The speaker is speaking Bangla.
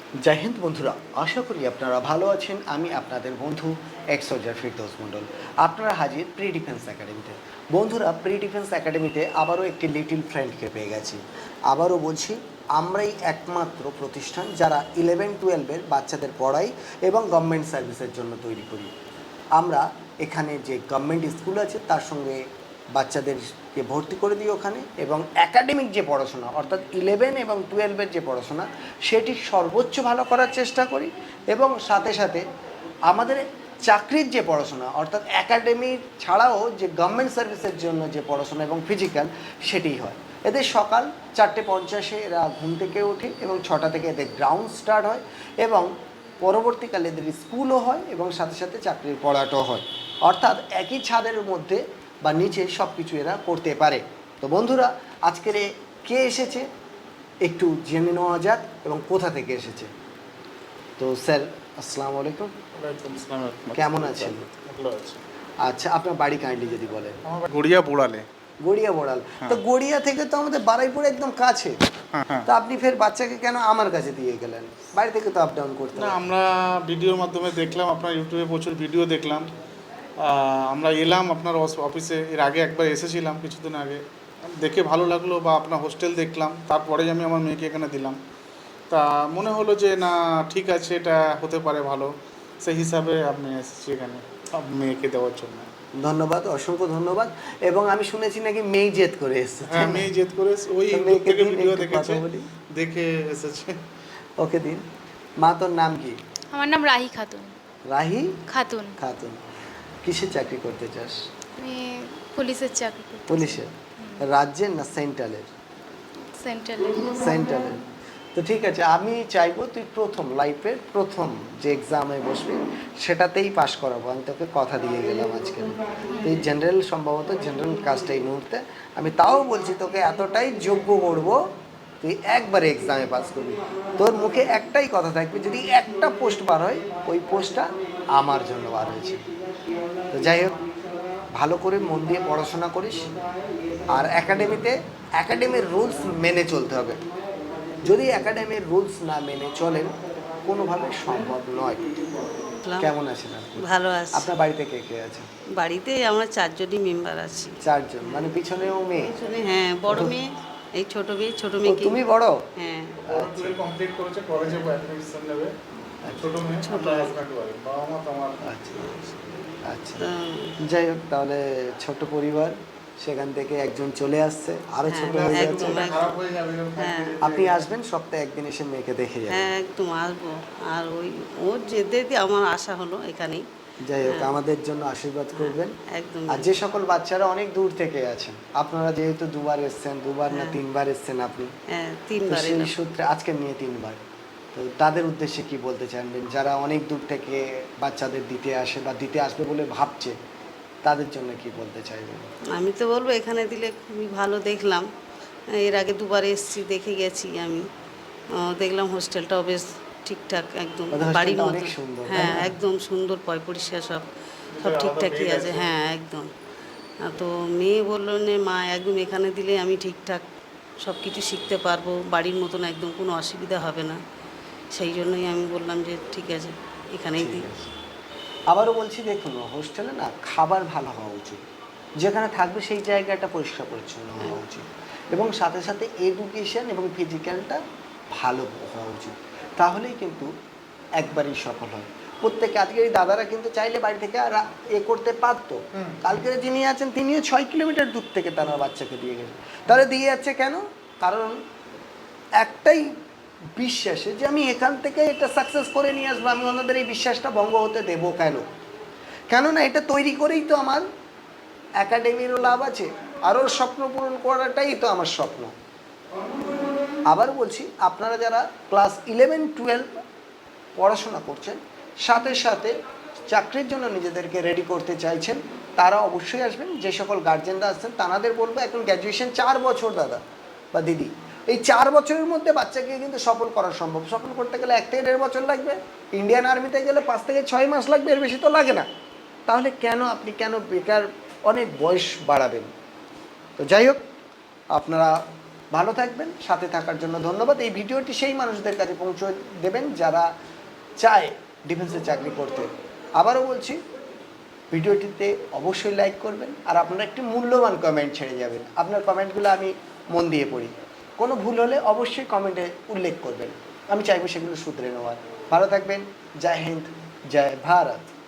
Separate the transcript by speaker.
Speaker 1: জয় হিন্দ বন্ধুরা, আশা করি আপনারা ভালো আছেন। আমি আপনাদের বন্ধু এক্স সোলজার ফিরদৌস মণ্ডল। আপনারা হাজির প্রি ডিফেন্স একাডেমিতে। বন্ধুরা, প্রি ডিফেন্স একাডেমিতে আবারও একটি লিটিল ফ্রেন্ডকে পেয়ে গেছি। আবারও বলছি, আমরাই একমাত্র প্রতিষ্ঠান যারা 11-12-এর বাচ্চাদের পড়াই এবং গভর্নমেন্ট সার্ভিসের জন্য তৈরি করি। আমরা এখানে যে গভর্নমেন্ট স্কুল আছে তার সঙ্গে বাচ্চাদেরকে ভর্তি করে দিই ওখানে, এবং একাডেমিক যে পড়াশোনা অর্থাৎ 11 এবং 12-এর যে পড়াশোনা সেটি সর্বোচ্চ ভালো করার চেষ্টা করি, এবং সাথে সাথে আমাদের চাকরির যে পড়াশোনা অর্থাৎ একাডেমি ছাড়াও যে গভর্নমেন্ট সার্ভিসের জন্য যে পড়াশোনা এবং ফিজিক্যাল সেটি হয়। এদের সকাল 4:50 এরা ঘুম থেকে ওঠে এবং 6টা থেকে এদের গ্রাউন্ড স্টার্ট হয়, এবং পরবর্তীকালে এদের স্কুলও হয় এবং সাথে সাথে চাকরির পড়াটাও হয়। অর্থাৎ একই ছাদের মধ্যে বা নিচে সব কিছু এরা করতে পারে। তো বন্ধুরা, আজকের কে এসেছে একটু জেনে নেওয়া যাক এবং কোথা থেকে এসেছে। তো স্যার, আসসালামু আলাইকুম। কেমন আছেন? আচ্ছা, আপনার বাড়ি কাইন্ডলি যদি বলেন।
Speaker 2: গড়িয়া বোড়ালে।
Speaker 1: গড়িয়া বোড়াল। তো গড়িয়া থেকে তো আমাদের বারুইপুর একদম কাছে। তো আপনি ফের বাচ্চাকে কেন আমার কাছে দিয়ে গেলেন? বাড়ি থেকে তো আপ ডাউন করতে
Speaker 2: না, আমরা ভিডিওর মাধ্যমে দেখলাম, আপনার ইউটিউবে প্রচুর ভিডিও দেখলাম। আমরা এলাম আপনার অফিসে, এর আগে একবার এসেছিলাম কিছুদিন আগে, দেখে ভালো লাগলো, বা আপনার হোস্টেল দেখলাম, তারপরেই আমি আমার মেয়েকে এখানে দিলাম। তা মনে হলো যে না, ঠিক আছে, এটা হতে পারে ভালো, সেই হিসাবে আমি এসেছি এখানে মেয়েকে দেওয়ার জন্য।
Speaker 1: ধন্যবাদ, অসংখ্য ধন্যবাদ। এবং আমি শুনেছি নাকি মেয়ে জেদ করে এসেছে।
Speaker 2: হ্যাঁ, মেয়ে জেদ করে ওই ইউটিউব থেকে ভিডিও দেখেছে, দেখে এসেছে।
Speaker 1: ওকে দিন। মা, তোর নাম কি?
Speaker 3: আমার নাম রাহি খাতুন।
Speaker 1: রাহি
Speaker 3: খাতুন।
Speaker 1: খাতুন। কিসের চাকরি করতে চাস?
Speaker 3: আমি পুলিশের চাকরি করি।
Speaker 1: পুলিশের? রাজ্যের না সেন্ট্রালের?
Speaker 3: সেন্ট্রালের।
Speaker 1: সেন্ট্রালের। তো ঠিক আছে, আমি চাইবো তুই প্রথম লাইফের প্রথম যে এক্সামে বসবি সেটাতেই পাশ করাবো। আমি তোকে কথা দিয়ে গেলাম আজকে। তুই জেনারেল, সম্ভবত জেনারেল কাজটা এই মুহূর্তে, আমি তাও বলছি তোকে এতটাই যোগ্য করবো তুই একবারে এক্সামে পাস করবি। তোর মুখে একটাই কথা থাকবে, যদি একটা পোস্ট বার হয় ওই পোস্টটা আমার জন্য বার হয়েছে। তো যাই হোক, ভালো করে মন দিয়ে পড়াশোনা করিস, আর একাডেমির রুলস মেনে চলতে হবে। যদি একাডেমির রুলস না মেনে চলেন কোনোভাবে সম্ভব নয়। কেমন আছেন আপনি?
Speaker 4: ভালো আছি।
Speaker 1: আপনার বাড়িতে কে কে আছে?
Speaker 4: বাড়িতে আমরা 4জনই মেম্বার আছি।
Speaker 1: 4 জন, মানে পিছনেও মেয়ে?
Speaker 4: হ্যাঁ, বড় মেয়ে, এই ছোট মেয়ে, ছোট
Speaker 1: ও,
Speaker 4: মেয়ে।
Speaker 1: তুমি বড়?
Speaker 4: হ্যাঁ।
Speaker 2: কমপ্লিট করেছে, কলেজে অ্যাডমিশন নেবে। ছোট মেয়ে, ছোট হাজব্যান্ড ওয়াইফ, বাবা মা তো আমার।
Speaker 1: আচ্ছা আচ্ছা, যাই হোক, তাহলে ছোট পরিবার, সেখান থেকে একজন চলে আসছে, আরো ছোট হয়ে যাচ্ছে।
Speaker 2: খারাপ হয়ে যাবে।
Speaker 4: হ্যাঁ,
Speaker 1: আপনি আসবেন সপ্তাহে একদিন, এসে মেয়েকে দেখে যাবেন।
Speaker 4: হ্যাঁ, একদম আসবো। আর ওর যেতে আমার আশা হলো এখানেই।
Speaker 1: যাই হোক, আমাদের জন্য আশীর্বাদ করবেন।
Speaker 4: একদম।
Speaker 1: আর যে সকল বাচ্চারা অনেক দূর থেকে আছেন, আপনারা যেহেতু 2বার এসছেন, 2বার না 3বার এসছেন আপনি,
Speaker 4: হ্যাঁ,
Speaker 1: তো
Speaker 4: 3বার
Speaker 1: সেই
Speaker 4: এলাম।
Speaker 1: সূত্রে আজকে নিয়ে 3বার। তো তাদের উদ্দেশ্যে কি বলতে চাইবেন, যারা অনেক দূর থেকে বাচ্চাদের দিতে আসে বা দিতে আসবে বলে ভাবছে, তাদের জন্য কি বলতে চাইবেন?
Speaker 4: আমি তো বলবো এখানে দিলে খুবই ভালো। দেখলাম, এর আগে 2বার এসেছি, দেখে গেছি আমি। দেখলাম হোস্টেলটাও বেশ ঠিকঠাক, একদম বাড়ির মতো।
Speaker 1: অনেক সুন্দর।
Speaker 4: হ্যাঁ, একদম সুন্দর, পরিষ্কার, সব ঠিকঠাকই আছে। হ্যাঁ, একদম। তো মেয়ে বললো যে মা, একদম এখানে দিলে আমি ঠিকঠাক সব কিছু শিখতে পারবো, বাড়ির মতন একদম কোনো অসুবিধা হবে না। সেই জন্যই আমি বললাম যে ঠিক আছে, এখানেই দিই।
Speaker 1: আবারও বলছি, দেখুন, হোস্টেলে না খাবার ভালো হওয়া উচিত, যেখানে থাকবে সেই জায়গাটা পরিষ্কার পরিচ্ছন্ন হওয়া উচিত, এবং সাথে সাথে এডুকেশন এবং ফিজিক্যালটা ভালো হওয়া উচিত। তাহলেই কিন্তু একবারই সফল হয় প্রত্যেকে। আজকের এই দাদারা কিন্তু চাইলে বাড়ি থেকে আর করতে পারতো। কালকের যিনি আছেন তিনিও 6 কিলোমিটার দূর থেকে তারা বাচ্চাকে দিয়ে গেছে। তাহলে দিয়ে যাচ্ছে কেন? কারণ একটাই বিশ্বাসে যে আমি এখান থেকে এটা সাকসেস করে নিয়ে আসবো। আমি ওনাদের এই বিশ্বাসটা ভঙ্গ হতে দেবো কেন? কেননা এটা তৈরি করেই তো আমার একাডেমিরও লাভ আছে, আর ওর স্বপ্ন পূরণ করাটাই তো আমার স্বপ্ন। আবার বলছি, আপনারা যারা ক্লাস 11-12 পড়াশোনা করছেন, সাথে সাথে চাকরির জন্য নিজেদেরকে রেডি করতে চাইছেন, তারা অবশ্যই আসবেন। যে সকল গার্জেনরা আসছেন তাদের বলবো, এখন গ্র্যাজুয়েশন 4 বছর দাদা বা দিদি, এই 4 বছরের মধ্যে বাচ্চাকে কিন্তু সফল করা সম্ভব। সফল করতে গেলে 1 থেকে 1.5 বছর লাগবে, ইন্ডিয়ান আর্মিতে গেলে 5 থেকে 6 মাস লাগবে, এর বেশি তো লাগে না। তাহলে আপনি কেন বেকার অনেক বয়স বাড়াবেন? তো যাই হোক, আপনারা ভালো থাকবেন, সাথে থাকার জন্য ধন্যবাদ। এই ভিডিওটি সেই মানুষদের কাছে পৌঁছে দেবেন যারা চায় ডিফেন্সে চাকরি করতে। আবারও বলছি, ভিডিওটিতে অবশ্যই লাইক করবেন আর আপনারা একটি মূল্যবান কমেন্ট ছেড়ে যাবেন। আপনার কমেন্টগুলো আমি মন দিয়ে পড়ি, কোনো ভুল হলে অবশ্যই কমেন্টে উল্লেখ করবেন, আমি চাইবো সেগুলো শুধরে নেওয়ার। ভালো থাকবেন, জয় হিন্দ, জয় ভারত।